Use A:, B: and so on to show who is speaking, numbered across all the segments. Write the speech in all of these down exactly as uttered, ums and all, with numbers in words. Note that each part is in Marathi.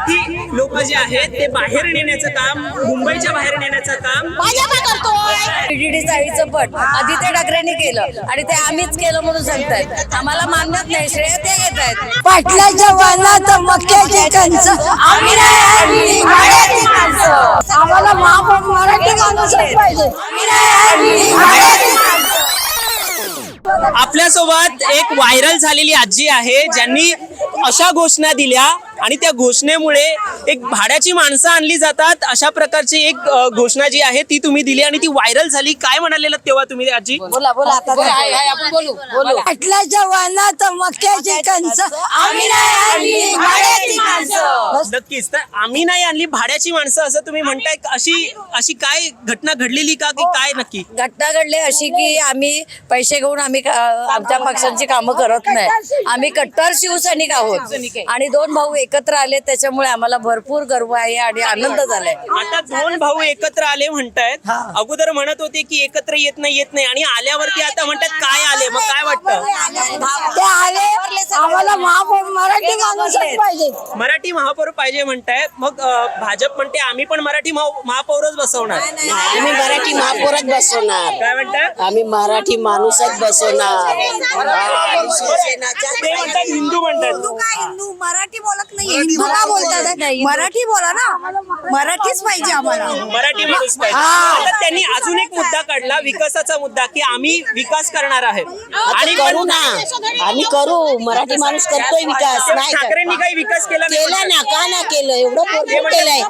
A: मराठी लोक जे आहेत ते बाहेर नेण्याचं काम, मुंबईच्या बाहेर नेण्याचं काम
B: भाजपा करतोय.
C: बीडीडी चाळीचं पट आदित्य ठाकरेंनी केलं आणि ते आम्हीच केलं म्हणून सांगतायत. आम्हाला मानत नाही, श्रेय ते घेत आहेत.
B: पाटलाच्या वानात मक्याची कणस आम्ही नाही आणली, भाड्याची माणसं. आम्हाला महापौर मराठी माणूसच पाहिजे. आम्ही नाही आणली, भाड्याची माणसं.
A: आपल्यासोबत एक व्हायरल झालेली आजी आहे ज्यांनी अशा घोषणा दिल्या आणि त्या घोषणेमुळे एक भाड्याची माणसं आणली जातात अशा प्रकारची एक अ, घोषणा जी आहे ती तुम्ही दिली आणि ती व्हायरल झाली. काय म्हणालेलं तेव्हा तुम्ही आजी?
C: बोला बोला आता आपण बोलू बोलू.
B: पाटलाच्या वानात मक्याची कणस आम्ही नाही आणली, भाड्याची माणसं.
A: नक्कीच. तर आम्ही नाही आणली भाड्याची माणसं असं तुम्ही म्हणताय. अशी अशी काय घटना घडलेली का की काय नक्की?
C: घटना घडली अशी की आम्ही पैसे घेऊन आम्ही का- आमच्या पक्षांची कामं करत नाही. आम्ही कट्टर शिवसैनिक आहोत आणि दोन भाऊ एकत्र आले, त्याच्यामुळे आम्हाला भरपूर गर्व आहे आणि आनंद झालाय.
A: आता दोन भाऊ एकत्र आले म्हणतायत. अगोदर म्हणत होते की एकत्र येत नाही येत नाही आणि आल्यावरती आता म्हणतात काय आले. मग काय वाटतं?
B: ते आले, आम्हाला महापौर मराठी माणूसच पाहिजे.
A: मराठी महापौर पाहिजे म्हणताय. मग अ, भाजप म्हणते आम्ही पण मराठी महा- महापौरच बसवणार.
D: आम्ही मराठी महापौरच बसवणार.
A: काय म्हणतात?
D: आम्ही मराठी माणूसच बसवणार.
A: ते म्हणतात हिंदू म्हणतात.
B: हिंदू मराठी बोलत नाही, हिंदू का बोलतात? मराठी बोला ना, मराठीच पाहिजे आम्हाला.
A: मराठी माणूस पाहिजे. आता त्यांनी अजून एक मुद्दा काढला, विकासाचा मुद्दा, की आम्ही विकास करणार आहे
D: आणि करू ना, आम्ही करू. मराठी माणूस करतोय विकास. नाही का?
A: ठाकरेंनी काही विकास केला नाही
D: केला ना, का ना केलं? एवढं भरपूर केलंय.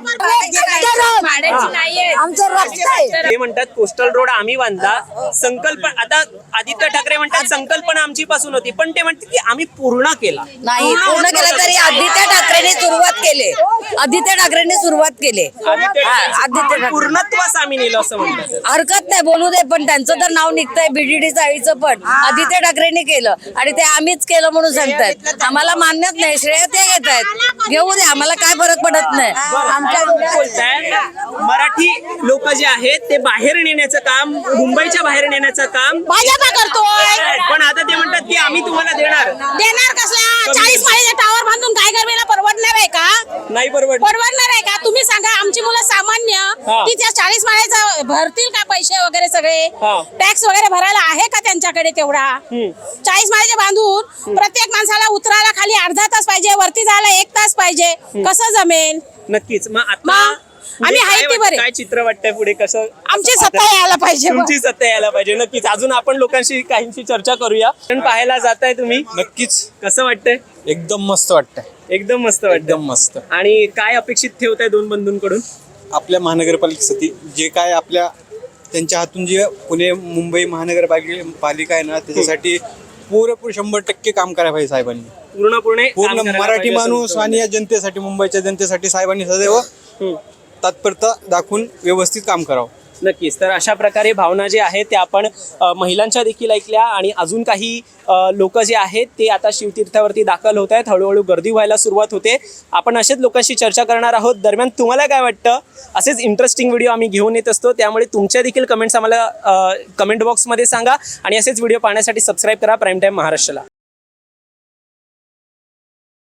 B: आमचं रक्त आहे.
A: ते म्हणतात कोस्टल रोड आम्ही बांधला. संकल्पना आता आदित्य ठाकरे म्हणतात संकल्पना आमची पासून होती, पण ते म्हणतात की आम्ही पूर्ण केला.
C: नाही, पूर्ण केलं तरी आदित्य ठाकरेंनी सुरुवात केली. आदित्य ठाकरेंनी सुरुवात केली.
A: आदित्य
C: हा, आदित्य
A: ठाकरे
C: ठाकरे.
A: पूर्णत्वास आम्ही नेलं असं म्हणतात.
C: हरकत नाही, बोलू दे. पण त्यांचं तर नाव निघतंय बीडीडी चाळीचं पट आदित्य ठाकरेंनी केलं आणि ते आम्हीच केलं म्हणून सांगतायत. आम्हाला मान्यत नाही, श्रेय ते घेत आहेत. घेऊ दे, आम्हाला काय फरक पडत नाही.
A: आमच्या बोलताय मराठी लोक जे आहेत ते बाहेर नेण्याचं काम, मुंबईच्या बाहेर नेण्याचं काम
B: भाजपा करतोय.
A: पण आता ते म्हणतात की आम्ही तुम्हाला देणार.
B: देणार कसला? चाळीस माळीचा टावर बांधून काय करवेला परवडणार आहे का?
A: नाही परवडत.
B: परवडणार आहे का? तुम्ही सांगा. आमची मुलं सामान्य
A: हा.
B: ती त्या चाळीस माळ्याचा भरतील का पैसे वगैरे सगळे?
A: हा.
B: टॅक्स वगैरे भरायला आहे का त्यांच्याकडे तेवढा?
A: हम्म.
B: चाळीस माळ्याचे बांधून प्रत्येक माणसाला उतरायला खाली अर्धा तास पाहिजे, वरती जायला एक तास पाहिजे. कसं जमेल?
A: नक्कीच. मग आता
B: मग
A: पुढे
B: आम्ही
A: काय
B: आहे ते
A: वाटतं?
B: बरे.
A: काय चित्र वाटतंय पुढे? कसं
B: आमची
A: कसं
B: सत्ता
A: पाहताय?
B: यायला पाहिजे.
A: तुमची सत्ता यायला पाहिजे. नक्कीच. अजून आपण लोकांशी काहींशी चर्चा करूया. पण पाहायला जाताय तुम्ही,
E: नक्कीच
A: कसं वाटतंय?
E: एकदम मस्त वाटतंय.
A: एकदम मस्त वाटतं.
E: एकदम मस्त.
A: आणि काय अपेक्षित ठेवताय दोन बंधूंकडून?
E: आपल्या महानगरपालिकेसाठी जे काय आपल्या त्यांच्या हातून जे पुणे मुंबई महानगरपालिका आहे ना, त्याच्यासाठी पुरेपूर शंभर टक्के काम करायला पाहिजे साहेबांनी.
A: पूर्णपणे काम
E: पूर्ण
A: करायला
E: मराठी
A: पाहिजे असं
E: माणूस
A: तुमचं
E: आणि या जनतेसाठी, मुंबईच्या जनतेसाठी साहेबांनी सदैव
A: हम्म.
E: तत्परता दाखवून व्यवस्थित काम करावं.
A: नक्कीच. तर अशा प्रकारे भावना जे आहेत त्या आपण अ, महिलांच्या देखील ऐकल्या आणि अजून काही लोक जे आहेत ते आता शिवतीर्थावरती दाखल होत आहेत. हळूहळू गर्दी व्हायला सुरुवात होते. आपण असेच लोकांशी चर्चा करणार आहोत. दरम्यान तुम्हाला काय वाटतं? असेच इंटरेस्टिंग व्हिडिओ आम्ही घेऊन येत असतो, त्यामुळे तुमच्या देखील कमेंट्स आम्हाला कमेंट बॉक्समध्ये सांगा आणि असेच व्हिडिओ पाहण्यासाठी सबस्क्राईब करा प्राईम टाईम महाराष्ट्राला.